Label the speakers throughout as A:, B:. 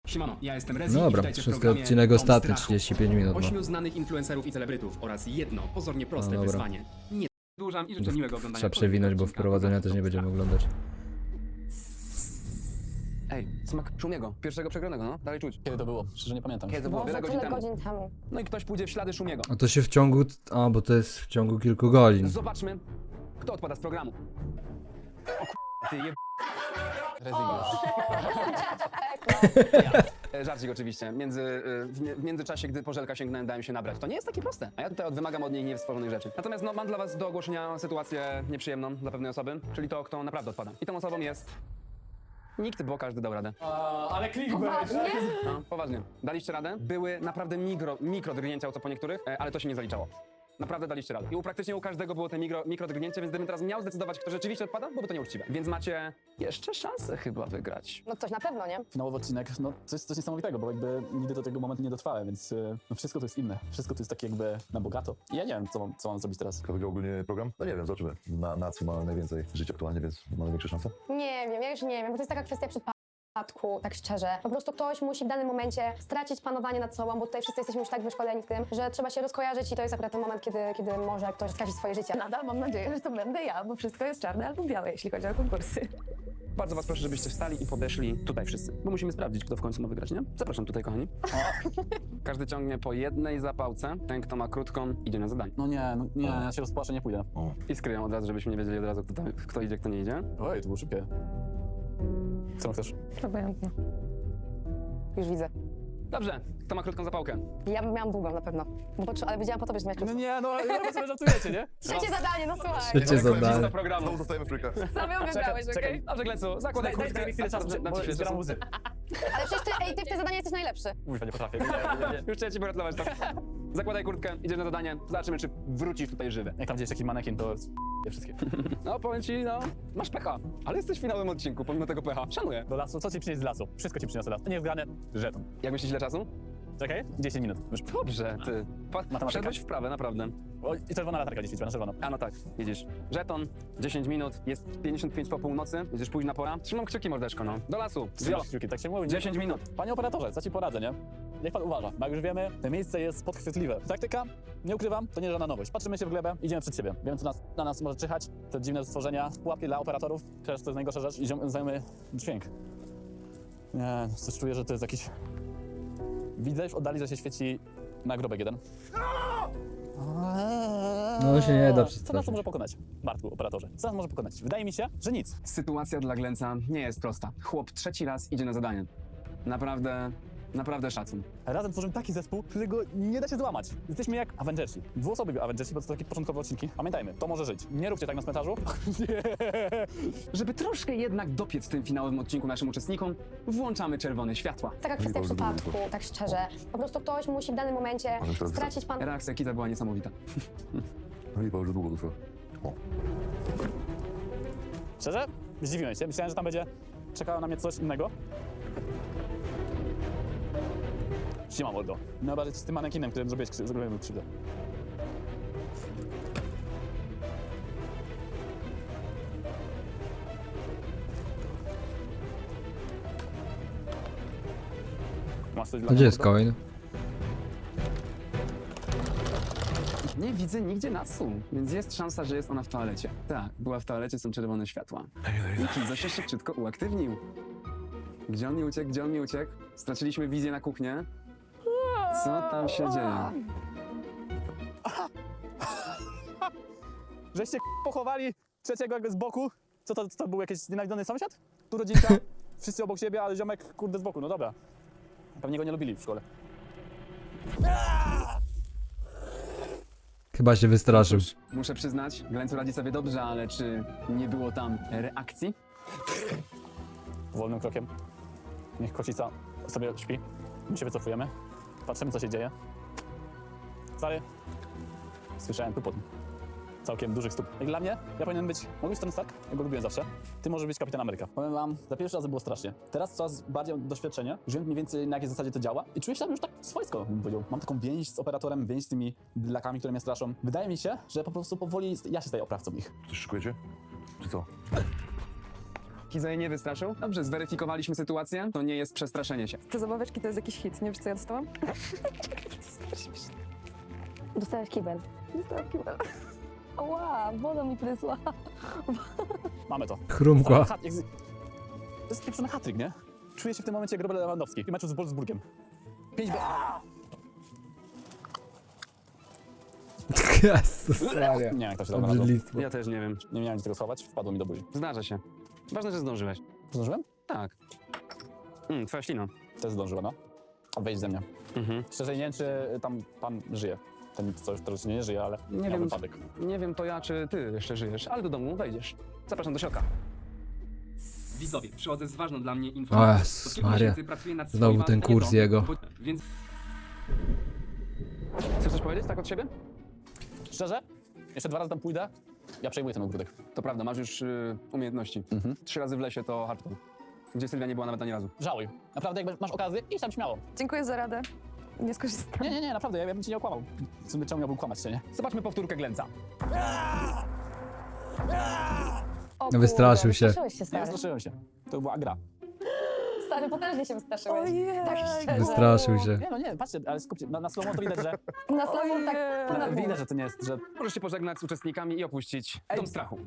A: Siemano, ja jestem Rezi i
B: Dobra,
A: witajcie w
B: wszystko
A: programie
B: odcinek
A: Dom
B: ostatni,
A: Strachu.
B: 35 minut. No.
A: 8 znanych influencerów i celebrytów oraz jedno pozornie proste
B: No dobra.
A: wyzwanie. Nie dłużam i życzę miłego oglądania.
B: Trzeba przewinąć, bo
A: kolejnego
B: wprowadzenia
A: odcinka
B: też nie będziemy
A: Dom
B: oglądać.
C: Ej, smak Szumiego, pierwszego przegranego, no? Dalej czuć.
D: Kiedy to było? Szczerze nie pamiętam.
C: Kiedy to było?
E: Boże,
C: Wiele godzin
E: tyle
C: temu.
E: godzin temu.
C: No i ktoś pójdzie w ślady Szumiego.
B: A to się w ciągu... A, bo to jest w ciągu kilku godzin.
C: Zobaczmy, kto odpada z programu. O ty jeb...
D: Rezygnujesz.
C: Żarcik oczywiście. W międzyczasie, gdy Pożelka sięgnąłem, dałem się nabrać. To nie jest takie proste. A ja tutaj wymagam od niej niestworzonych rzeczy. Natomiast no, mam dla was do ogłoszenia sytuację nieprzyjemną dla pewnej osoby, czyli to, kto naprawdę odpada. I tą osobą jest... Nikt, bo każdy dał radę.
D: Ale clickbait!
C: No, poważnie. Daliście radę? Były naprawdę mikro drgnięcia, co po niektórych, ale to się nie zaliczało. Naprawdę daliście radę. I praktycznie u każdego było te mikro drgnięcie, więc gdybym teraz miał zdecydować, kto rzeczywiście odpada, byłoby to nieuczciwe. Więc macie jeszcze szansę chyba wygrać.
E: No coś na pewno, nie?
D: Finałowy odcinek, no coś niesamowitego, bo jakby nigdy do tego momentu nie dotrwałem, więc no wszystko to jest inne. Wszystko to jest takie jakby na bogato. I ja nie wiem, co mam zrobić teraz.
F: Jak wygrał ogólnie program? No nie wiem, zobaczymy. Na co ma najwięcej życia aktualnie, więc ma największe szanse.
E: Nie wiem, ja już nie wiem, bo to jest taka kwestia przypadku, tak szczerze. Po prostu ktoś musi w danym momencie stracić panowanie nad sobą, bo tutaj wszyscy jesteśmy już tak wyszkoleni w tym, że trzeba się rozkojarzyć i to jest akurat ten moment, kiedy może ktoś stracić swoje życie.
G: Nadal mam nadzieję, że to będę ja, bo wszystko jest czarne albo białe, jeśli chodzi o konkursy.
C: Bardzo was proszę, żebyście wstali i podeszli tutaj wszyscy. Bo musimy sprawdzić, kto w końcu ma wygrać, nie? Zapraszam tutaj, kochani. Każdy ciągnie po jednej zapałce. Ten, kto ma krótką, idzie na zadanie.
D: No nie, ja się rozpłaczę, nie pójdę.
C: I skryją od razu, żebyśmy nie wiedzieli od razu, kto idzie, kto nie idzie.
D: Oj, to było szybkie. Co chcesz?
G: Obojętnie.
E: Już widzę.
C: Dobrze, kto ma krótką zapałkę?
E: Ja bym miałam długą na pewno, ale wiedziałam po tobie, że miałeś
D: No
E: krótką.
D: nie, no chyba sobie żartujecie, nie?
E: Trzecie zadanie, no słuchaj.
B: Trzecie zadanie.
C: do programu.
F: Znowu zostajemy w trójkach.
G: Sam ją wybrałeś,
D: czekaj.
G: okej?
C: Dobrze, Glecu, zakładaj
D: Daj
C: kurtkę.
D: mi chwilę czasu, bo zbieram łzy.
E: Ale przecież ty w tym zadaniu jesteś najlepszy.
D: Kurwa, nie potrafię.
C: Już chciałem ci pogratulować, to. Zakładaj kurtkę, idziesz na zadanie. Zobaczymy, czy wrócisz tutaj żywy.
D: Jak tam gdzieś taki manekin, to je wszystkie.
C: No, powiem ci, no, masz pecha. Ale jesteś w finałowym odcinku, pomimo tego pecha. Szanuję.
D: Do lasu, co ci przynieść z lasu? Wszystko ci przyniosę las. To nie jest grane, żeton.
C: Jak myślisz, ile czasu?
D: Czekaj, 10 minut. Już.
C: Dobrze, ty.
D: Matematyka.
C: Wszedłeś w prawe, naprawdę.
D: O, i czerwona latarka gdzieś świeciła, na czerwono.
C: A no tak, widzisz. Żeton, 10 minut, jest 55 po północy, jest późna pora. Trzymam kciuki, mordeczko, no. Do lasu.
D: Zjadł kciuki, tak się mówi.
C: 10 minut.
D: Panie operatorze, co ci poradzę, nie? Niech pan uważa, bo jak już wiemy, to miejsce jest podchwytliwe. Taktyka, nie ukrywam, to nie żadna nowość. Patrzymy się w glebę, idziemy przed siebie. Wiemy, co na nas może czyhać, te dziwne stworzenia, pułapki dla operatorów, też to jest najgorsza rzecz. Idziemy, znajmy dźwięk. Nie, coś czuję, że to jest jakiś... Widzę już w oddali, że się świeci nagrobek jeden.
B: No się nie da
D: Co nas
B: przestraszyć.
D: to może pokonać, Bartku, operatorze? Co nas może pokonać? Wydaje mi się, że nic.
C: Sytuacja dla Glenca nie jest prosta. Chłop trzeci raz idzie na zadanie. Naprawdę szacun.
D: Razem tworzymy taki zespół, którego nie da się złamać. Jesteśmy jak Avengersi. Dwuosobowi Avengersi, bo to takie początkowe odcinki. Pamiętajmy, to może żyć. Nie róbcie tak na cmentarzu.
C: Żeby troszkę jednak dopiec w tym finałowym odcinku naszym uczestnikom, włączamy czerwone światła.
E: Taka kwestia przypadku, tak szczerze. Po prostu ktoś musi w danym momencie
F: Ale teraz
E: stracić panowanie.
C: Reakcja Kita była niesamowita.
F: No i już długo trwa. O.
D: Szczerze? Zdziwiłem się. Myślałem, że tam będzie czekało na mnie coś innego. Siema, mordo. Najbardziej z tym manekinem, którym zrobiłem krzywdę. Masz coś dla
B: A gdzie
D: mnie,
B: jest
D: mordo?
B: coin?
C: Nie widzę nigdzie Natsu, więc jest szansa, że jest ona w toalecie. Tak, była w toalecie, są czerwone światła. I Kizo się szybciutko uaktywnił. Gdzie on mi uciekł? Straciliśmy wizję na kuchnię. Co tam się dzieje?
D: Żeście pochowali trzeciego jakby z boku? Co to był jakiś znienawidzony sąsiad? Tu rodzinka, wszyscy obok siebie, ale ziomek kurde z boku, no dobra. Pewnie go nie lubili w szkole.
B: Chyba się wystraszył.
C: Muszę przyznać, Glencu radzi sobie dobrze, ale czy nie było tam reakcji?
D: Wolnym krokiem. Niech kocica sobie śpi. My się wycofujemy. Patrzymy, co się dzieje. Stary, słyszałem tupot. Całkiem dużych stóp. Jak dla mnie, ja powinien być, mogę być Tony Stark, ja go lubiłem zawsze. Ty możesz być Kapitan Ameryka. Powiem wam, za pierwszy raz było strasznie. Teraz coraz bardziej mam doświadczenie, wiem mniej więcej na jakiej zasadzie to działa i czuję się tam już tak swojsko, bym powiedział. Mam taką więź z operatorem, więź z tymi blakami, które mnie straszą. Wydaje mi się, że po prostu powoli ja się staję oprawcą ich.
F: Coś szykujecie? Czy co?
C: Kiza jej nie wystraszył? Dobrze, zweryfikowaliśmy sytuację. To nie jest przestraszenie się.
G: Te zabaweczki to jest jakiś hit, nie wiesz co ja dostałam?
E: Dostałeś kibel.
G: Dostałam kibel. Ła, woda mi prysła.
D: Mamy to.
B: Chrumkła.
D: To jest pieprzony hat-trick, nie? Czuję się w tym momencie jak Robert Lewandowski w meczu z Wolfsburgiem. 5
B: Jezus Maria.
D: Nie wiem, jak to się tam nazywa.
B: Obrzydlistwo.
C: Ja też nie wiem.
D: Nie miałem tego schować, wpadło mi do buzi.
C: Zdarza się. Ważne, że zdążyłeś.
D: Zdążyłem?
C: Tak. Twoja ślina.
D: Też zdążyłem, no. Wejdź ze mnie. Szczerze nie wiem, czy tam pan żyje. Ten, co już teraz nie żyje, ale
C: Nie
D: miał
C: wiem.
D: wypadek.
C: Nie wiem to ja, czy ty jeszcze żyjesz, ale do domu wejdziesz. Zapraszam do środka.
A: Widzowie, przychodzę z ważną dla mnie
B: O
A: informacją.
B: Jezus
A: Od kilku
B: Maria.
A: miesięcy pracuję nad
B: Znowu
A: swoim
B: ten kurs
A: marzeniem,
B: jego.
A: Więc
C: Chcesz coś powiedzieć tak od siebie?
D: Szczerze? Jeszcze 2 razy tam pójdę, ja przejmuję ten ogródek.
C: To prawda, masz już umiejętności. 3 razy w lesie to hardcore. Gdzie Sylwia nie była nawet ani razu.
D: Żałuj. Naprawdę, jak masz okazję, idź tam śmiało.
G: Dziękuję za radę. Nie skorzystam.
D: Nie, naprawdę, ja bym ci nie okłamał. W sumie czemu miałbym kłamać się, nie?
C: Zobaczmy powtórkę Glęca.
E: O
B: Wystraszył
E: kurde,
B: się.
E: Wystraszyłeś się,
D: Nie
E: stary.
D: wystraszyłem się. To była gra.
E: Stary, potężnie się wystraszyłeś.
G: Ojej.
E: Tak szczerze.
B: Wystraszył się.
D: Nie, no nie, patrzcie, ale skupcie, na slow to widać, że...
E: Na słowo tak
G: Ojej.
E: ponad
D: Widać, że to nie jest, że...
C: Możesz się pożegnać z uczestnikami i opuścić dom strachu.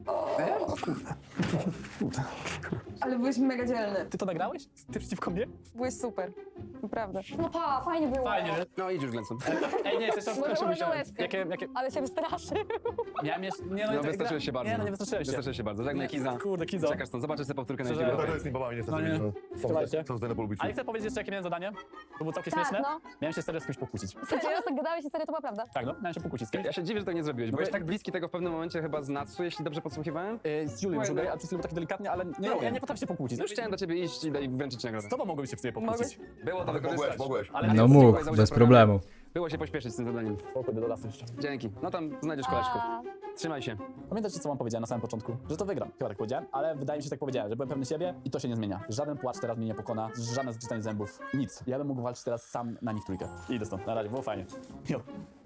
G: Ale byłeś mega dzielny.
D: Ty to nagrałeś? Ty przeciwko mnie?
G: Byłeś super. Naprawdę.
E: No pa, fajnie było.
D: Fajnie.
C: No idź już Glęcą.
D: Ej, nie, jeszcze raz
E: Może
D: proszę,
E: można
D: musiałem.
E: łezkę.
D: Jakie...
E: Ale się wystraszy.
D: Miałem jeszcze... Nie,
C: No
D: nie,
C: wystraszyłeś się bardzo.
D: Nie, no nie wystraszyłem się.
C: Wystraszyłeś się bardzo. Żegnaj Kiza.
D: Kurde, Kizo.
C: Czekasz stąd, zobaczysz sobie powtórkę na
D: Szczerze?
C: YouTube.
F: To jest tymi babami niestety.
D: No nie. Trzymajcie.
F: Są zdane polubić.
D: Ale chcę powiedzieć jeszcze, jakie miałem zadanie. To było całkiem
E: Tak,
D: śmieszne.
E: no.
D: Miałem się serio z kimś pokłócić.
E: Cały czas tak gadałeś i serio to była prawda.
D: Tak, no, miałem się pokłócić z kimś.
C: Ja się dziwię, że tego nie zrobiłeś.
D: No
C: Byłeś
D: bo-
C: tak bliski tego w pewnym momencie chyba z Natsu, jeśli dobrze podsłuchiwałem.
D: Z Julią już a przez chwilę taki delikatnie, ale nie, ja nie potrafię się pokłócić.
C: No już chciałem do ciebie iść i wręczyć nagrodę.
D: Z tobą mogłem się w sobie pokłócić.
C: Było to
F: Ale
C: wykorzystać.
F: mogłeś.
D: Ale
B: No mógł, bez problemu.
C: Było się pośpieszyć z tym zadaniem.
D: Spokój, do lasu jeszcze.
C: Dzięki. No tam znajdziesz koleżków.
E: A,
C: Trzymaj się.
D: Pamiętacie, co wam powiedziałem na samym początku? Że to wygram. Chyba tak powiedziałem, ale wydaje mi się, że tak powiedziałem, że byłem pewny siebie i to się nie zmienia. Żaden płacz teraz mnie nie pokona, żadne zgrzytanie zębów, nic. Ja bym mógł walczyć teraz sam na nich trójkę. I idę stąd. Na razie, było fajnie. Jo.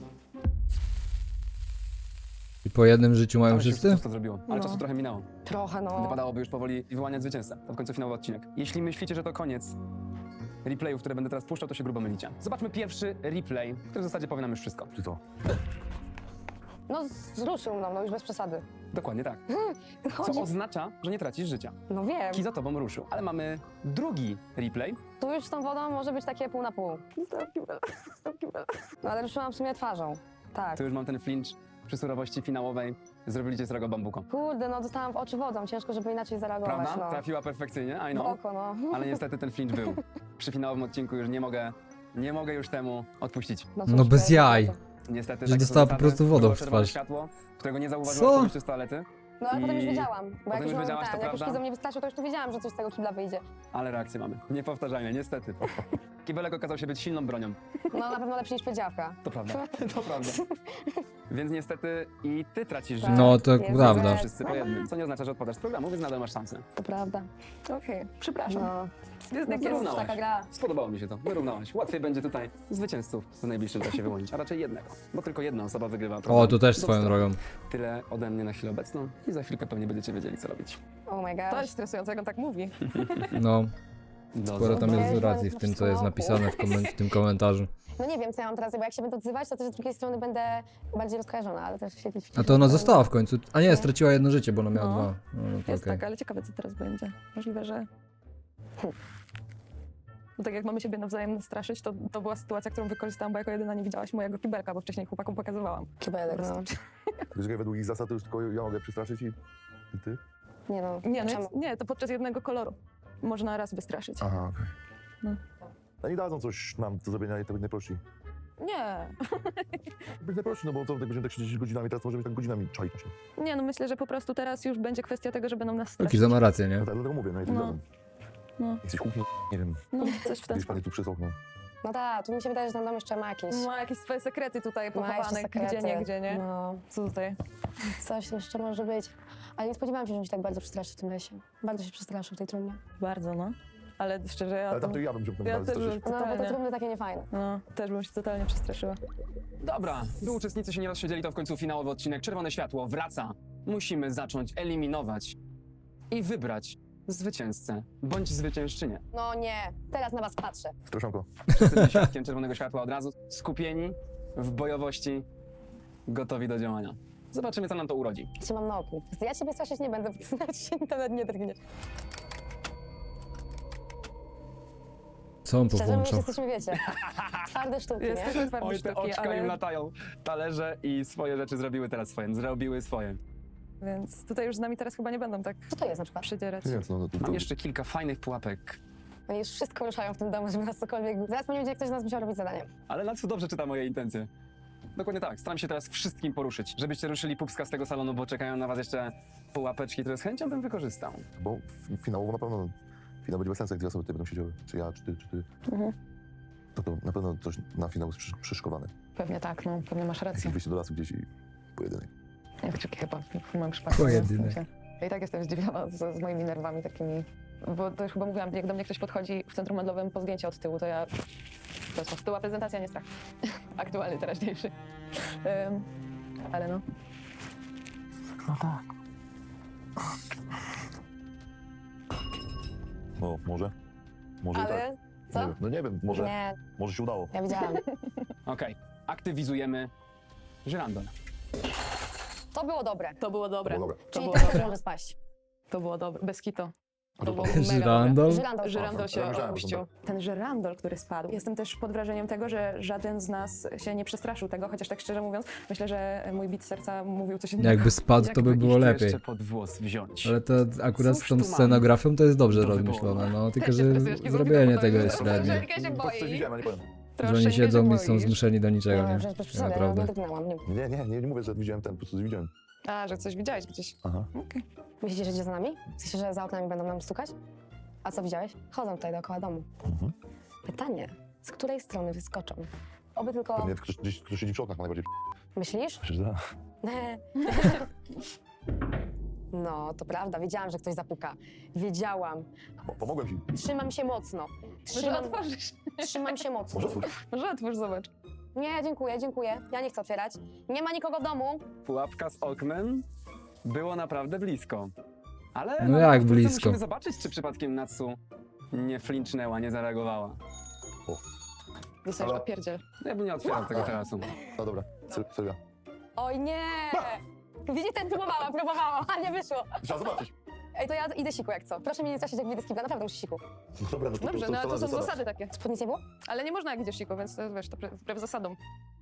B: I po jednym życiu mają
C: Ale się
B: wszyscy?
C: już to zrobiło. Ale
E: No.
C: czasu trochę minęło.
E: trochę no.
C: Wypadałoby już powoli wyłaniać zwycięzcę. To w końcu finałowy odcinek. Jeśli myślicie, że to koniec replayów, które będę teraz puszczał, to się grubo mylicie. Zobaczmy pierwszy replay, który w zasadzie powie nam już wszystko.
F: Czy to?
E: No wzruszył mną, no już bez przesady.
C: Dokładnie tak. Co
E: Chodzi...
C: oznacza, że nie tracisz życia.
E: No wiem.
C: Ki za tobą ruszył. Ale mamy drugi replay.
E: Tu już z tą wodą może być takie pół na pół.
G: Dostałam kibel. Dostałam kibel.
E: No ale ruszyłam w sumie twarzą. Tak.
C: Tu już mam ten flinch przy surowości finałowej. Zrobili cię srogo bambuko.
E: Kurde, no dostałam w oczy wodą, ciężko, żeby inaczej zareagować,
C: Prawda?
E: no.
C: Trafiła perfekcyjnie, I
E: W
C: know.
E: oko, no.
C: Ale niestety ten flinch był. Przy finałowym odcinku już nie mogę już temu odpuścić.
E: No,
B: No
E: cóż,
B: bez
E: to-
B: jaj.
C: Niestety
B: Że
C: takie są
B: dostała po
C: zasady.
B: prostu wodą
C: Było
B: w
C: czerwone
B: twarz.
C: światło, którego nie zauważyłaś
B: Co?
C: po wyjściu z toalety,
E: No ale potem już
C: I-
E: wiedziałam, bo
C: potem
E: jak już
C: już
E: mam
C: wiedziałaś, to
E: jak już
C: prawda?
E: Kizo mnie wystraszył, to już tu wiedziałam, że coś z tego kibla wyjdzie.
C: ale reakcję mamy. Niepowtarzalnie, niestety. Kibelek okazał się być silną bronią.
E: No na pewno lepszy niż powiedziawka.
C: To prawda. To prawda. Więc niestety i ty tracisz
E: Tak.
C: życie.
B: No to
E: Jest
B: prawda.
E: złe.
C: Wszyscy po jednym. Co nie oznacza, że odpadasz z programu, więc nadal masz szansę.
E: To prawda.
G: Okej, przepraszam.
E: No,
G: Jest
E: no
G: jak
E: to
G: jest.
E: już
C: wyrównałaś.
E: taka gra.
C: Spodobało mi się to. Wyrównałaś. Łatwiej będzie tutaj zwycięzców w najbliższym czasie wyłonić, a raczej jednego. Bo tylko jedna osoba wygrywa.
B: O,
C: program.
B: to też
C: Do
B: swoją
C: strony.
B: drogą.
C: Tyle ode mnie na chwilę obecną i za chwilkę pewnie będziecie wiedzieli, co robić.
E: Oh my
G: To
E: gosh.
G: jest stresujące, jak on tak mówi.
B: No,
C: Do
B: sporo tam jest
E: Weź,
B: racji w tym, co jest napisane w tym komentarzu.
E: No nie wiem, co ja mam teraz, bo jak się będę odzywać, to też z drugiej strony będę bardziej rozkojarzona, ale też się gdzieś...
B: A to ona została w końcu. A nie, straciła jedno życie, bo ona miała
G: No.
B: dwa. No to
G: Jest
B: okej.
G: tak, ale ciekawe, co teraz będzie. Możliwe, że... No tak jak mamy siebie nawzajem nastraszyć, to była sytuacja, którą wykorzystałam, bo jako jedyna nie widziałaś mojego kibelka, bo wcześniej chłopakom pokazywałam.
E: Kibelek, no.
F: Wiesz, jak według ich zasad to już tylko ja mogę przestraszyć i ty?
E: Nie no,
G: Nie, no
E: czemu?
G: nie, to podczas jednego koloru. Można raz wystraszyć.
F: Aha, okej.
G: No.
F: A nie dadzą coś nam do zrobienia i to być najprościej.
G: Nie.
F: Być najprościej, no bo co, tak będziemy tak siedzieć godzinami, teraz możemy tak godzinami czaić się.
G: Nie, no myślę, że po prostu teraz już będzie kwestia tego, że będą nas straszyć.
B: Kiza ma rację, nie?
F: No tak, dlatego mówię, no i tak
G: No.
F: dadzą.
G: No.
F: Jesteś kuchni, nie wiem,
G: No, coś w ten
F: gdzieś pani
G: sposób.
F: tu przez okno.
E: No tak, tu mi się wydaje, że ten dom jeszcze ma jakieś...
G: Ma jakieś swoje sekrety tutaj
E: Ma jeszcze
G: pochowane,
E: sekrety.
G: gdzie nie.
E: No,
G: Co tutaj?
E: coś jeszcze może być. Ale nie spodziewałam się, że mi się tak bardzo przestraszy w tym lesie. Bardzo się przestraszył w tej trumnie.
G: Bardzo, no. Ale szczerze, ja
F: Ale tam
G: to...
F: to ja bym się
G: Ja
F: bardzo
G: też
F: straszyć.
G: bym
E: No, bo te
G: totalnie.
E: trumny takie niefajne.
G: No, też bym się totalnie przestraszyła.
C: Dobra, by uczestnicy się nie rozsiedzieli, to w końcu finałowy odcinek. Czerwone światło wraca. Musimy zacząć eliminować i wybrać zwycięzcę bądź zwyciężczynię.
E: No nie, teraz na was patrzę.
F: Straszonko.
C: Wszyscy byli świadkiem czerwonego światła od razu, skupieni w bojowości, gotowi do działania. Zobaczymy, co nam to urodzi.
E: Cię mam na oku. Ja ciebie straszyć nie będę, bo nawet nie drgniesz.
B: Co on
E: Szczerze mówiąc,
B: powłączał?
E: jesteśmy, wiecie, twarde sztuki, nie?
G: Jesteśmy twarde
C: Oj, te
G: sztuki,
C: oczka
G: ale...
C: im latają. Talerze i swoje rzeczy zrobiły teraz swoje. Zrobiły swoje.
G: Więc tutaj już z nami teraz chyba nie będą tak
E: Co to jest na przykład?
G: przydzierać.
F: Nie wiem, co no, to,
C: Mam jeszcze kilka fajnych pułapek,
E: Oni już wszystko ruszają w tym domu, żeby nas cokolwiek... Zaraz pewnie będzie ktoś z nas musiał robić zadanie.
C: ale Natsu dobrze czyta moje intencje. Dokładnie tak. Staram się teraz wszystkim poruszyć, żebyście ruszyli pupska z tego salonu, bo czekają na was jeszcze pułapeczki, które z chęcią bym wykorzystał.
F: Bo finałowo na pewno, finał będzie bez sensu, jak dwie osoby tutaj będą siedziały. Czy ja, czy ty.
G: Mhm.
F: To na pewno coś na finał jest przyszykowane.
G: Pewnie tak, no, pewnie masz rację.
F: Jakieś wyjście do lasu gdzieś i pojedynek.
G: Jak chyba w moim przypadku.
B: Pojedynek.
G: w sensie. Ja i tak jestem zdziwiona z moimi nerwami takimi. Bo to już chyba mówiłam, jak do mnie ktoś podchodzi w centrum handlowym po zdjęcie od tyłu, to ja... To jest była prezentacja, nie strach. Aktualny, teraźniejszy. Ale no.
F: No, może. Może i tak.
E: Ale...
F: Nie
E: Co?
F: wiem. No nie wiem, może,
E: Nie,
F: może się udało.
E: ja widziałam.
C: Okej, aktywizujemy żyrandol.
E: To było dobre.
G: To było dobre.
F: To było dobre.
G: To
E: Czyli
G: było
E: ten też
G: dobre.
E: może spaść.
G: To było dobre. Bez kito.
F: A
G: To
F: to
G: było
F: to-
G: mega dobre.
B: Żyrandol?
E: Żyrandol.
G: Żyrandol się
F: Ja myślałem, że to
G: opuścił. Ten żyrandol, który spadł. Jestem też pod wrażeniem tego, że żaden z nas się nie przestraszył tego, chociaż tak szczerze mówiąc, myślę, że mój bit serca mówił coś innego.
B: Jakby spadł, to by
C: Jakby
B: było
C: ich tu
B: lepiej.
C: jeszcze pod włos wziąć.
B: Ale to akurat z
C: Cóż
B: tą
C: tu mamy
B: scenografią to jest dobrze
C: do wyboru?
B: rozmyślone, no tylko
G: Też
B: że
G: się stresujesz, nie
B: zrobienie
G: zrobię
B: tego
G: tego,
B: jest
G: bo
B: średnie.
G: Angelika się
F: Po prostu coś
G: boi.
F: widziałem, ja nie powiem.
B: Że oni siedzą i są zmuszeni do niczego,
E: No,
B: nie?
E: przecież bez przesady, ja
B: Naprawdę.
E: nie drgnęłam.
F: Nie mówię, że widziałem ten, po prostu coś widziałem.
G: A, że coś widziałeś gdzieś.
F: Aha.
G: Okej.
E: Myślicie, że idzie za nami? W sensie, że za oknami będą nam stukać? A co widziałeś? Chodzą tutaj dookoła domu.
F: Mhm.
E: Pytanie, z której strony wyskoczą? Oby tylko...
F: Pewnie ktoś siedzi przy oknach, najbardziej.
E: Myślisz?
F: Myślę, że da.
E: No, to prawda, wiedziałam, że ktoś zapuka. Wiedziałam.
F: Pomogłem ci.
E: Trzymam się mocno.
G: Może otworzysz.
E: Trzymam się mocno.
F: Może otwórz.
G: Może otwórz, zobacz.
E: Nie, dziękuję, dziękuję. Ja nie chcę otwierać. Nie ma nikogo w domu.
C: Pułapka z oknem było naprawdę blisko. Ale
B: No jak
C: wkrótce
B: blisko?
C: musimy zobaczyć, czy przypadkiem Natsu nie flinchnęła, nie zareagowała.
G: Dostajesz
F: Ale-
G: opierdziel.
C: Ja bym nie otwierał tego terasu.
F: No dobra, Sylwia.
E: Oj nie! Widzicie, próbowałam, a nie wyszło.
F: Trzeba zobaczyć.
E: Ej, to ja idę siku jak co. Proszę mnie nie straszyć, jak wyjdę z kibla, naprawdę muszę siku.
F: No dobra, no to
G: Dobrze, no ale to są
F: zasada.
G: zasady takie.
E: Spódnic nie było?
G: Ale nie można jak idziesz siku, więc to jest, wiesz, to wbrew zasadom.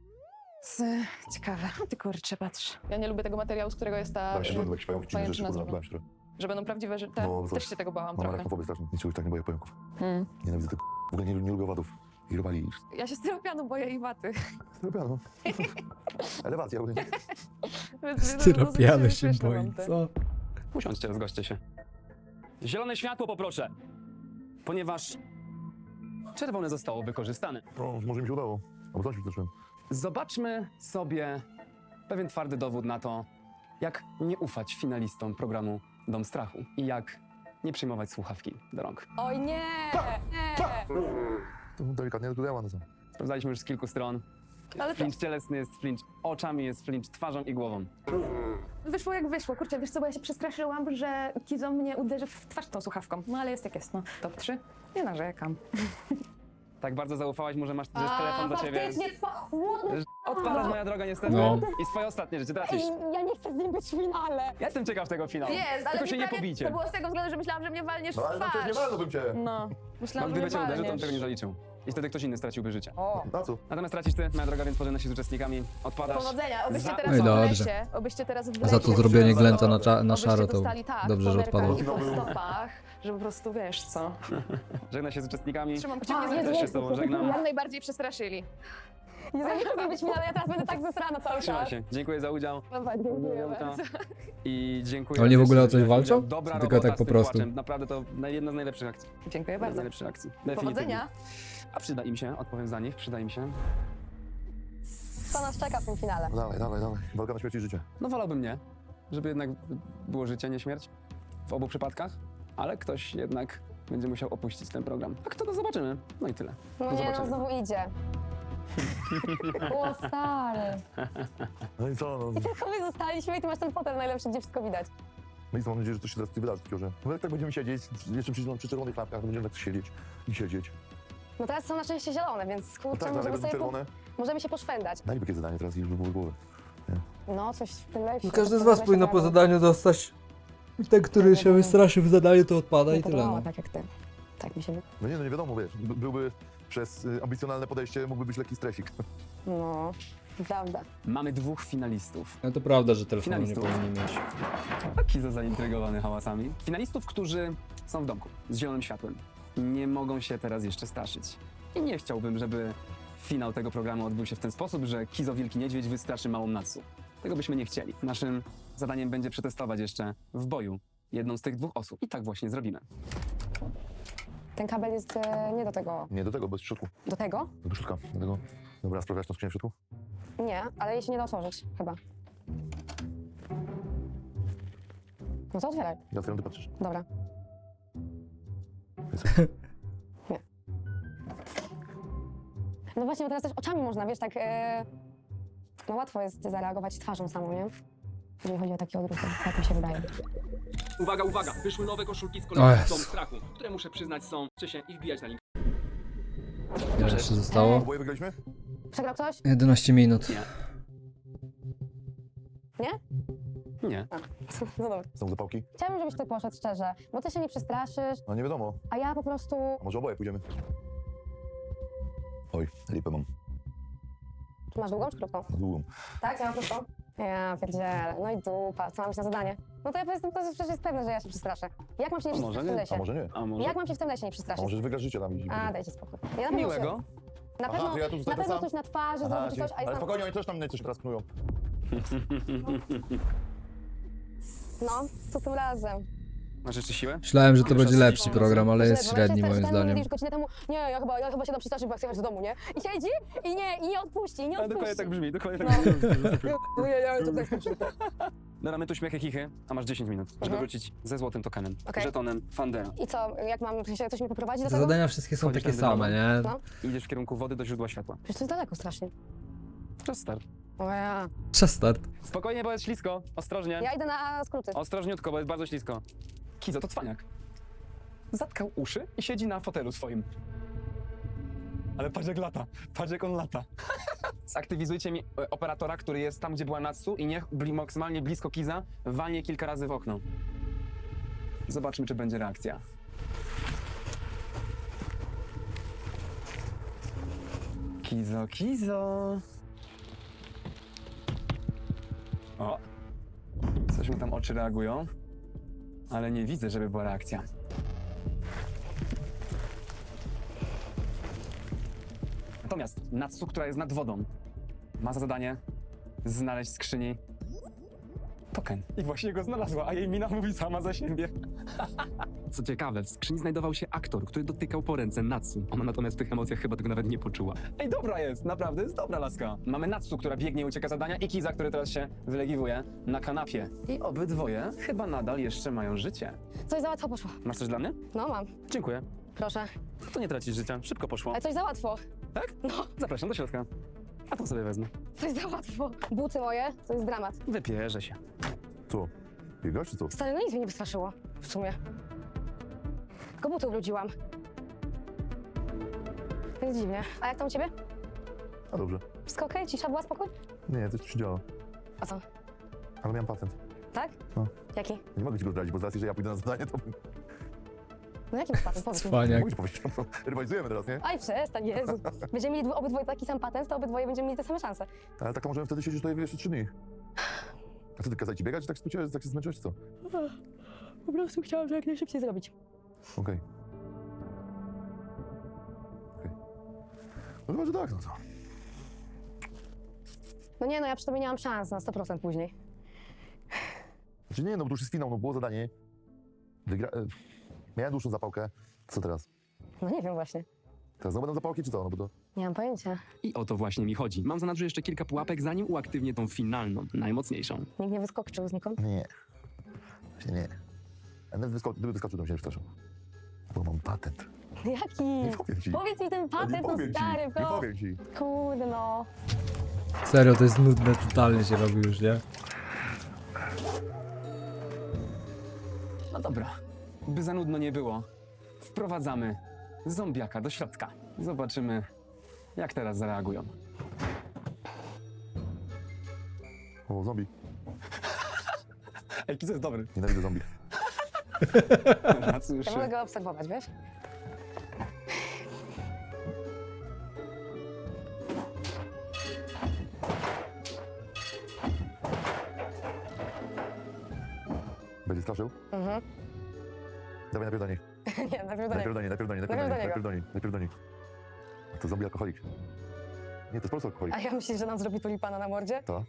G: Ciekawe. Ty kurczę, patrz. Ja nie lubię tego materiału, z którego jest ta...
F: Bałem się, że będą jakieś pająki, dziwne rzeczy,
G: pajęczyna
F: kurwa,
G: zrobiona.
F: bałem się trochę.
G: Że będą prawdziwe, że te...
F: No,
G: Też się tego bałam
F: Mam
G: trochę.
F: arachnofobię straszną, nic już tak nie boję pająków.
G: Hmm.
F: Nienawidzę tego. W ogóle nie lubię owadów. I robali.
G: Ja się styropianu boję i waty.
F: Styropianu. Elewacja ogólnie.
G: Więc
B: Styropiany
G: dosyć
B: się
G: śmieszne
B: boi,
G: mam te.
B: co?
C: Usiądźcie, rozgoście się. Zielone światło poproszę, ponieważ czerwone zostało wykorzystane.
F: No, może mi się udało. Albo coś wyskoczyłem.
C: Zobaczmy sobie pewien twardy dowód na to, jak nie ufać finalistom programu Dom Strachu i jak nie przyjmować słuchawki do rąk.
E: Oj nie! Nie!
F: To delikatnie dodała, no co?
C: Sprawdzaliśmy już z kilku stron.
G: Ale
C: Flinch cielesny jest flinch oczami, jest flinch twarzą i głową.
G: wyszło jak wyszło. Kurczę, wiesz co, bo ja się przestraszyłam, że Kizo mnie uderzy w twarz tą słuchawką. No ale jest jak jest, no. Top 3. Nie narzekam.
C: Tak bardzo zaufałaś mu, że masz że jest telefon do ciebie.
E: Faktycznie, chłodny.
C: Odpadasz, moja droga, niestety.
B: No.
C: I swoje ostatnie życie tracisz.
E: Ej, ja nie chcę z nim być w finale.
C: Ja jestem ciekaw tego finału.
G: Jest, ale
C: Tylko
G: mi
C: się nie
G: prawie-
C: pobijcie.
G: To było z tego względu, że myślałam, że mnie walniesz
F: No
G: w
F: ale no przecież nie
G: twarz.
F: walnąłbym cię.
G: No,
C: Bo
G: myślałam, że
C: gdyby
G: mnie
C: cię uderzył, to bym
G: walniesz.
C: tego nie zaliczył. I wtedy ktoś inny straciłby życie.
E: O,
F: Na co?
C: Natomiast tracisz ty, moja droga, więc pożegna się z uczestnikami. Odpadasz.
G: Powodzenia, obyście
C: Za-
G: teraz
B: No i
G: w
B: dobrze.
G: lesie, obyście teraz w
B: Za to
G: lesie,
B: zrobienie glęta na
G: obyście
B: szaro to
G: dostali, tak,
B: dobrze, że
G: poderkami
B: odpadło.
G: po stopach, że po prostu wiesz co.
C: Żegna się z uczestnikami.
G: Trzymam kciuki,
E: A,
G: żeby
E: jest,
C: Też się
E: jest.
C: z tobą żegnam.
G: jak najbardziej przestraszyli.
E: nie chcę być w finale, ja teraz będę tak zesrana cały
C: Trzymaj
E: czas.
C: się. Dziękuję za udział.
G: Dobra, dziękuję bardzo.
C: I dziękuję.
B: Oni w
C: raz
B: ogóle
C: jeszcze,
B: o coś
C: że
B: walczą?
C: udział. Dobra
B: Tylko
C: robota
B: tak
C: z
B: po
C: tym
B: prostu?
C: płaczem. Naprawdę to jedna z najlepszych akcji.
G: Dziękuję
C: Jedna z
G: bardzo.
C: najlepszych akcji. Definitywnie.
G: Powodzenia.
C: A przyda im się, odpowiem za nich, przyda im się.
E: Co nas czeka w tym finale?
F: No dawaj. Walka na śmierć i życie.
C: No wolałbym nie, żeby jednak było życie, nie śmierć. W obu przypadkach. Ale ktoś jednak będzie musiał opuścić ten program. A kto to zobaczymy? No i tyle.
E: No
C: Do
E: nie, no
C: zobaczenia.
E: znowu idzie. O, stary.
F: No i co, no.
E: Tylko my zostaliśmy i ty masz ten fotel najlepszy, gdzie wszystko widać.
F: No i mam nadzieję, że coś się teraz wydarzy, tylko że no jak tak będziemy siedzieć, jeszcze przy czerwonych lampkach, to będziemy tak siedzieć i siedzieć.
E: No teraz są na szczęście zielone, więc
F: No
E: kurczę,
F: tak,
E: możemy,
F: dlatego
E: sobie
F: czerwone.
E: możemy się poszwędać.
F: Daj mi takie zadanie teraz i żeby było głowy.
E: No, coś w tym lesie.
B: No każdy z was powinno po zadaniu dostać. Ten, który się wystraszy w zadaniu, to odpada i tyle. No.
E: Tak jak ty. Tak mi się...
F: No nie, no nie wiadomo, wiesz, byłby przez ambicjonalne podejście, mógłby być lekki stresik.
E: No, prawda.
C: Mamy 2 finalistów.
B: No to prawda, że telefonu nie
C: Finalistów.
B: powinni mieć.
C: Kizo zaintrygowany hałasami. Finalistów, którzy są w domku, z zielonym światłem. Nie mogą się teraz jeszcze straszyć. I nie chciałbym, żeby finał tego programu odbył się w ten sposób, że Kizo Wielki Niedźwiedź wystraszy małą Natsu. Tego byśmy nie chcieli. Naszym zadaniem będzie przetestować jeszcze w boju jedną z tych 2 osób. I tak właśnie zrobimy.
E: Ten kabel jest nie do tego.
F: Nie, do tego, bez środku.
E: Do tego?
F: Do środka, dlatego... Dobra, sprawdzasz tą skrzynię w środku?
E: Nie, ale jej się nie da otworzyć, chyba. No to otwieraj.
F: Ja otwieram, ty patrzysz.
E: Dobra.
F: Jest.
E: Nie. No właśnie, bo teraz też oczami można, wiesz, tak... No łatwo jest zareagować twarzą samą, nie? Jeżeli chodzi o takie odruchy, tak mi się wydaje.
A: Uwaga, uwaga! Wyszły nowe koszulki z
B: O
A: kolekcji
B: Jezu.
A: Dom Strachu, które muszę przyznać są się i wbijać na link.
B: Ile jeszcze zostało?
F: Oboje wygraliśmy?
E: Przegrał ktoś?
B: 11 minut.
C: Nie.
E: Nie?
C: Nie.
E: No dobra.
F: Są zapałki?
E: Chciałabym, żebyś ty poszedł szczerze, bo ty się nie przestraszysz,
F: No nie wiadomo.
E: a ja po prostu...
F: A może oboje pójdziemy? Oj, lipę mam.
E: Czy masz długą czy krótką?
F: Na długą.
E: Tak, ja mam krótką. Ja pierdzielę, no i dupa, co mam iść na zadanie? No to ja powiedzmy, to przecież jest pewne, że ja się przestraszę. Jak mam się nie
C: A może
E: przestraszyć w tym
C: nie?
E: lesie?
F: A może nie?
C: A może?
E: Jak mam się w tym lesie nie
F: A
E: przestraszyć?
F: może wygrasz życie tam i...
E: A, dajcie spokój. Ja na pewno
C: Miłego.
E: Się, na
F: Aha,
E: pewno,
F: to ja tu
E: na
F: zostanę
E: pewno
F: sam?
E: coś na twarzy,
F: Aha,
E: zrobić coś, a
F: ale
E: jest tam...
F: spokojnie, oni też tam coś teraz knują.
E: No, co tym razem?
C: Masz jeszcze siłę?
B: Myślałem, że to
C: Już
B: będzie
C: raz
B: lepszy program, ale jest
E: Źle, bo
B: średni
E: ja się
B: moim
E: stałem,
B: zdaniem.
E: mówisz godzinę temu, nie, ja chyba się da przestraszyć, bo ja chcę jechać do domu, nie? I siedzi i nie odpuści, nie
C: A
E: odpuści.
C: dokładnie tak brzmi, dokładnie
E: No.
C: tak brzmi.
E: Ja to tak skończyłem.
C: Dobra, my tu śmiechy chichy, a masz 10 minut, żeby
E: Mhm.
C: wrócić ze złotym tokenem,
E: Okej.
C: żetonem Fandera.
E: I co, jak mam, w sensie ktoś mnie poprowadzi do
B: Te
E: tego?
B: zadania wszystkie są
C: Wchodzisz
B: takie
C: tędy
B: same, nie?
E: No.
C: Idziesz w kierunku wody do źródła światła.
E: Przecież to jest daleko strasznie.
C: Czas start.
E: O ja.
B: Czas start.
C: Spokojnie, bo jest ślisko. Ostrożnie.
E: Ja idę na skróty.
C: Ostrożniutko, bo jest bardzo ślisko. Kizo, to cwaniak. Zatkał uszy i siedzi na fotelu swoim. Ale patrz jak lata. Patrz jak on lata. Zaktywizujcie mi operatora, który jest tam, gdzie była Natsu i niech maksymalnie blisko Kiza walnie kilka razy w okno. Zobaczmy, czy będzie reakcja. Kizo, Kizo. O. Coś mu tam oczy reagują. Ale nie widzę, żeby była reakcja. Natomiast Natsu, która jest nad wodą, ma za zadanie znaleźć w skrzyni token. I właśnie go znalazła, a jej mina mówi sama za siebie.
A: Co ciekawe, w skrzyni znajdował się aktor, który dotykał po ręce Natsu. Ona natomiast w tych emocjach chyba tego nawet nie poczuła.
C: Ej, dobra jest, naprawdę jest dobra laska. Mamy Natsu, która biegnie i ucieka z zadania i Kiza, który teraz się wylegiwuje na kanapie. I obydwoje chyba nadal jeszcze mają życie.
E: Coś za łatwo poszło.
C: Masz coś dla mnie?
E: No mam,
C: Dziękuję.
E: proszę.
C: To nie tracisz życia, szybko poszło.
E: Ale coś za łatwo.
C: Tak? No. Zapraszam do środka. A to sobie wezmę.
E: Coś za łatwo. Buty moje, to jest dramat.
C: Wypierzę się.
F: Co? Biegasz czy co?
E: Stary, no nic mnie nie wystraszyło. W sumie. Tylko buty ubrudziłam. Więc dziwnie. A jak tam u ciebie?
F: A dobrze.
E: Wszystko okej? Cisza była, spokój?
F: Nie, coś się działo.
E: A co?
F: Ale miałem patent.
E: Tak?
F: No.
E: Jaki?
F: Nie mogę ci go zdradzić, bo z racji, że ja pójdę na zadanie, to
E: No jaki masz patent? Powiedz mi.
B: Cwaniak.
F: mówisz, powiedzieć, no, rywalizujemy teraz, nie?
E: Aj, przestań, Jezu. Będziemy mieli obydwoje taki sam patent, to obydwoje będziemy mieli te same szanse.
F: Ale tak to możemy wtedy siedzieć tutaj jeszcze 3 dni. A co, ty kazać ci biegać, tak skróciłeś, tak się zmęczyłeś, czy co?
E: Po prostu chciałam to jak najszybciej zrobić.
F: Okej. No chyba, że tak, no to.
E: No nie no, ja przy tobie nie mam szans na 100% później.
F: Znaczy nie, no bo to już jest finał, no było zadanie. Miałem dłuższą zapałkę. Co teraz?
E: No nie wiem właśnie.
F: Teraz znowu będą zapałki, czy co? No bo to...
E: Nie mam pojęcia.
A: I o to właśnie mi chodzi. Mam za nadrzu jeszcze kilka pułapek, zanim uaktywnię tą finalną, najmocniejszą.
E: Nikt nie wyskoczył znikąd?
F: Nie. Właśnie nie. A nawet gdyby wyskoczył, to bym się nie przestraszył. Bo mam patent.
E: Jaki?
F: Nie powiem ci.
E: Powiedz mi ten
F: Ja
E: patent,
F: nie
E: no
F: powiem
E: stary,
F: ci. Nie
E: no.
F: powiem ci.
E: Kurde no.
B: Serio, to jest nudne, totalnie się robi już, nie?
C: No dobra, by za nudno nie było, wprowadzamy zombiaka do środka. Zobaczymy, jak teraz zareagują.
F: O, zombie.
C: Ej, Kizo jest dobry.
F: Nienawidzę zombie.
C: Cóż,
E: Ja mogę go obserwować, wiesz?
F: Będzie straszył?
E: Mhm.
F: Dawaj najpierw do niej.
E: Nie, najpierw do
F: Najpierw
E: niego.
F: do niej, najpierw do niej,
E: Najpierw do niego.
F: najpierw do niej, najpierw do niej. To zombie alkoholik. Nie, to jest po prostu alkoholik.
E: A ja myślisz, że nam zrobi tulipana na mordzie?
F: To.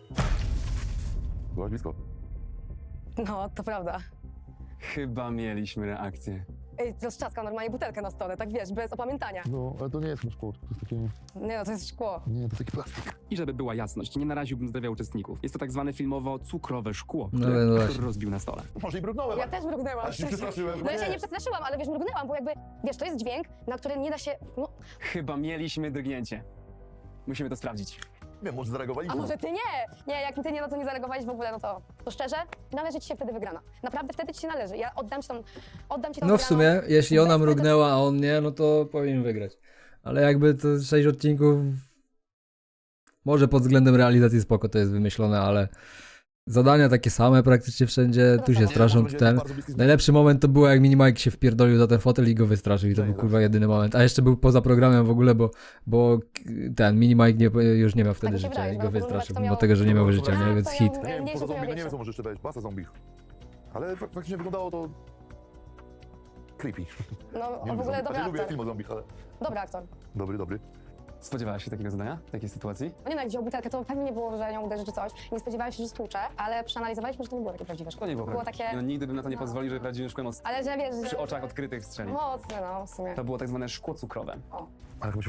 F: Byłaś blisko.
E: No, to prawda.
C: chyba mieliśmy reakcję.
E: Ej, rozczaskał normalnie butelkę na stole, tak wiesz, bez opamiętania.
F: No, ale to nie jest chyba szkło, to jest takie...
E: Nie no, to jest szkło.
F: Nie, to jest taki plastik.
A: I żeby była jasność, nie naraziłbym zdrowia uczestników. Jest to tak zwane filmowo cukrowe szkło,
B: No,
A: które
B: no
A: aktor
B: właśnie.
A: rozbił na stole.
F: Może i mrugnąłem.
E: Ja też mrugnęłam.
F: Aż się przestraszyłem.
E: No ja się nie przestraszyłam, ale wiesz, mrugnęłam, bo jakby, wiesz, to jest dźwięk, na który nie da się, no,
C: Chyba mieliśmy drgnięcie. Musimy to sprawdzić.
F: Nie wiem, może zareagowali.
E: a może ty nie? Nie, jak ty nie na to nie zareagowałeś w ogóle, no to szczerze, należy ci się wtedy wygrana. Naprawdę wtedy ci się należy. Ja oddam ci tą
B: No w sumie,
E: wygraną.
B: jeśli ona
E: Bez
B: mrugnęła, a on nie, no to powinien wygrać. Ale jakby to 6 odcinków... Może pod względem realizacji spoko to jest wymyślone, ale... Zadania takie same praktycznie wszędzie, tu się straszą, tu ten... Najlepszy moment to było, jak Minimike się wpierdolił za ten fotel i go wystraszył i to był kurwa jedyny moment. A jeszcze był poza programem w ogóle, bo ten Minimike już nie miał wtedy
E: mi się
B: życia
E: wydaje,
B: i
E: bo
B: go
E: porównywać
B: wystraszył,
E: to
B: mimo
E: miało-
B: tego, że nie miał życia,
E: A,
B: nie? Więc
E: to
B: hit.
E: ja-
F: Ja nie wiem,
E: mniejsze
F: poza zombie, no nie
E: większe.
F: wiem co może jeszcze dać, masa zombie. Ale faktycznie wyglądało to... creepy.
E: No,
F: Nie
E: w
F: lubię
E: ogóle
F: zombie.
E: dobry
F: Znaczy, lubię
E: aktor.
F: film o zombie, ale...
E: Dobry aktor.
F: Dobry, dobry.
C: Spodziewałaś się takiego zadania? Takiej sytuacji?
E: No nie no, jak wziął butelkę, to pewnie nie było, że nią uderzy czy coś. Nie spodziewałem się, że stłucze, ale przeanalizowaliśmy, że to nie było takie prawdziwe szkło.
C: To nie było
E: Było
C: prawda.
E: takie,
C: No, nigdy bym na to nie
E: no.
C: pozwolił, że prawdziwym szkłem
E: ale że wiesz, że...
C: przy oczach odkrytych strzeli.
E: Mocne, no, w sumie.
C: To było tak zwane szkło cukrowe.
F: Ale chyba się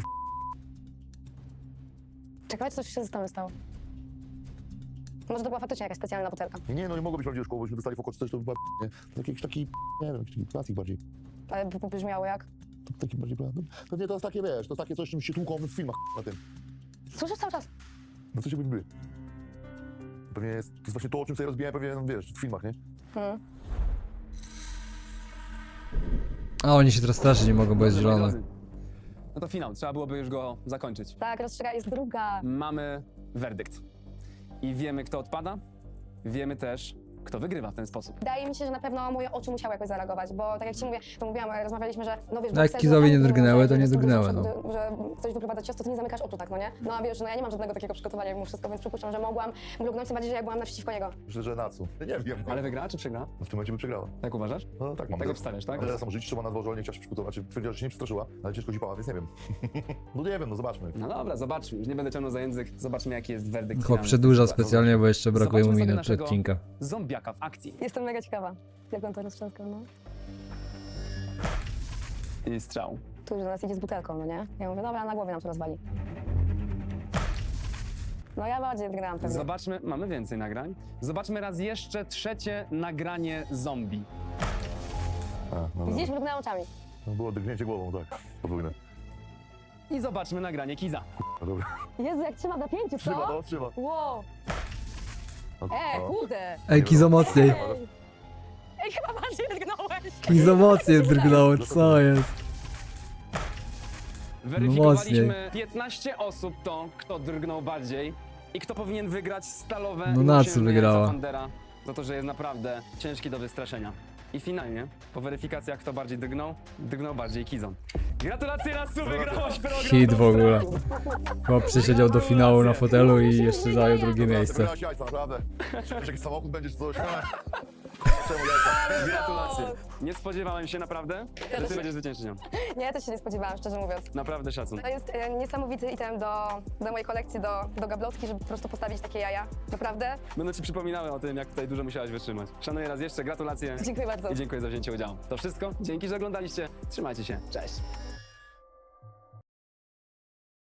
E: Czekaj, coś się z tym stało. Może to była faktycznie jakaś specjalna butelka.
F: Nie, no nie mogło być prawdziwe szkło, bośmy dostali w oko czy coś, to chyba... Nie. To jakiś taki, nie wiem, jakiś taki plastik bardziej.
E: Ale brzmiało jak...
F: To taki bardziej... No, pewnie to jest takie, wiesz, to jest takie coś, czym się tłuką w filmach na tym.
E: Słyszysz cały czas?
F: No co się by. Pewnie jest, to jest właśnie to, o czym sobie rozbijałem pewnie, no, wiesz, w filmach, nie?
B: A oni się teraz straszyć nie mogą, bo jest
C: Dobrze, moi
B: zielone.
C: drodzy. No to finał, trzeba byłoby już go zakończyć.
E: Tak, rozstrzyga jest druga.
C: Mamy werdykt. I wiemy, kto odpada. Wiemy też, kto wygrywa w ten sposób.
E: Wydaje mi się, że na pewno moje oczy musiały jakoś zareagować, bo tak jak ci mówię, to mówiłam, rozmawialiśmy, że no wiesz...
B: No jak
E: bo
B: Kizowi nie
E: że-
B: drgnęły, to
E: że
B: nie
E: jest dużo
B: drgnęły,
E: przodu, że coś wyprowadza ciasto, to nie zamykasz oczu tak, no nie? No a wiesz, no ja nie mam żadnego takiego przygotowania mimo wszystko, więc przypuszczam, że mogłam mrugnąć, tym bardziej, że ja byłam naprzeciwko niego.
F: Myślę, że Natsu. Nie wiem, no.
C: Ale wygrała czy przegrała?
F: No w tym momencie by przegrała.
C: Tak uważasz?
F: No tak mam.
C: Tak obstawiasz, tak?
F: Ale sam żyć trzeba na dworze, ale nie chciała się przygotować. Znaczy, twierdziła, że się nie przestraszyła, ale ciężko zipała, więc nie wiem. No nie wiem, no zobaczmy.
C: No dobra, zobaczmy. Już nie będę ciągnął za język. Zobaczmy, jaki jest werdykt.
B: Chłop
C: finalny.
B: przedłuża specjalnie, bo jeszcze brakuje mu
C: Zobaczmy sobie
B: minut przed
C: naszego
B: odcinka.
C: Zombiaka w akcji.
E: Jestem mega ciekawa, jak on to roztrzaskał, no.
C: I strzał.
E: Tu już do nas idzie z butelką, no nie? Ja mówię, dobra, na głowie nam to rozwali. No ja bardziej wygrałam pewnie.
C: Zobaczmy, mamy więcej nagrań. Zobaczmy raz jeszcze trzecie nagranie zombie.
F: A, no dobra.
E: Widzisz, mrugnęła oczami.
F: No było drgnięcie głową, tak. Podwójne.
C: I zobaczmy nagranie Kiza.
F: No dobra.
E: Jezu, jak trzyma w napięciu,
F: Trzyma,
E: co?
F: no, trzyma.
E: Wow!
F: No,
E: Kurde!
B: Ej, Kizo mocniej.
E: Ej, chyba bardziej drgnąłeś!
B: Kizo mocniej drgnął, co jest?
C: Weryfikowaliśmy 15 osób to, kto drgnął bardziej i kto powinien wygrać stalowe
B: No Natsu
C: uciężenie
B: wygrała.
C: Fandera za to, że jest naprawdę ciężki do wystraszenia. I finalnie, po weryfikacjach kto bardziej drgnął bardziej Kizon. Gratulacje Natsu, wygrałaś program!
B: Hit w ogóle.
C: Dostał.
B: Chłop przysiedział do finału na fotelu i jeszcze zajął drugie
F: Dobra,
B: miejsce.
F: wybrałaś jajca, naprawdę. Wiesz, jakiś samochód będzie czy coś. Czemu jajca?
C: Gratulacje. Nie spodziewałem się naprawdę, że ty będziesz zwycięzczynią.
E: Nie, ja też się nie spodziewałam, szczerze mówiąc.
C: Naprawdę szacun.
E: To jest niesamowity item do mojej kolekcji, do gablotki, żeby po prostu postawić takie jaja. Naprawdę?
C: Będę ci przypominały o tym, jak tutaj dużo musiałaś wytrzymać. Szanuję raz jeszcze, gratulacje
E: Dziękuję bardzo.
C: i dziękuję za wzięcie udziału. To wszystko, dzięki, że oglądaliście. Trzymajcie się, cześć.